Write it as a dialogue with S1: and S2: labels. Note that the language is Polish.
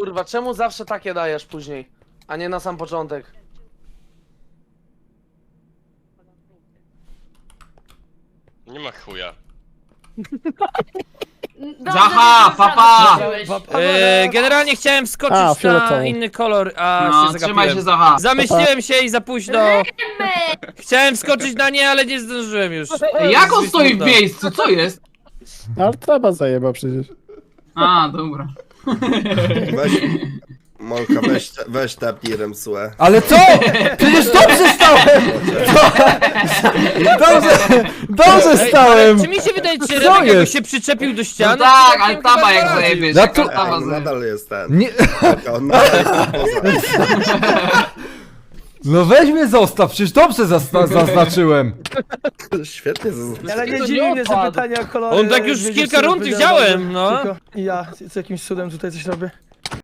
S1: Kurwa, czemu zawsze takie dajesz później, a nie na sam początek?
S2: Nie ma chuja.
S3: Zaha, papa!
S4: Generalnie chciałem
S5: A,
S4: wskoczyć na
S5: fioletowy.
S4: inny kolor, a
S3: No,
S4: się
S3: trzymaj się
S4: zagapiłem.
S3: Zaha.
S4: Zamyśliłem się i za późno. Chciałem wskoczyć na nie, ale nie zdążyłem już.
S3: Jak on stoi w
S4: Smutno.
S3: miejscu? Co jest?
S5: Ale traba zajeba przecież.
S3: A, dobra.
S6: Weź, Molka, weź tepnij Remsuę.
S7: Ale co? Przecież dobrze stałem! Dobrze
S4: Ej,
S7: stałem!
S4: ale czy mi się wydaje, czy
S7: Co
S4: Remek jakby
S7: jest?
S4: się przyczepił do
S3: No
S4: ściany?
S3: tak,
S4: to
S3: ale
S4: chyba
S3: taba jak
S4: poradził.
S3: zajebiesz.
S7: Ja tu-
S6: Ej,
S3: Taba
S6: on nadal jest ten.
S7: Nie,
S6: On nadal jest poza.
S7: no weź mnie zostaw, przecież dobrze zaznaczyłem.
S6: Świetnie zaznaczył.
S5: Ale nie
S1: To
S5: dziwi
S1: nie
S5: mnie, że
S1: odpadł.
S5: pytania o kolory.
S4: On tak już
S5: wiedział,
S4: kilka
S5: co
S4: rund
S5: powiedział,
S4: wziąłem, no.
S5: tylko ja z jakimś cudem tutaj coś robię.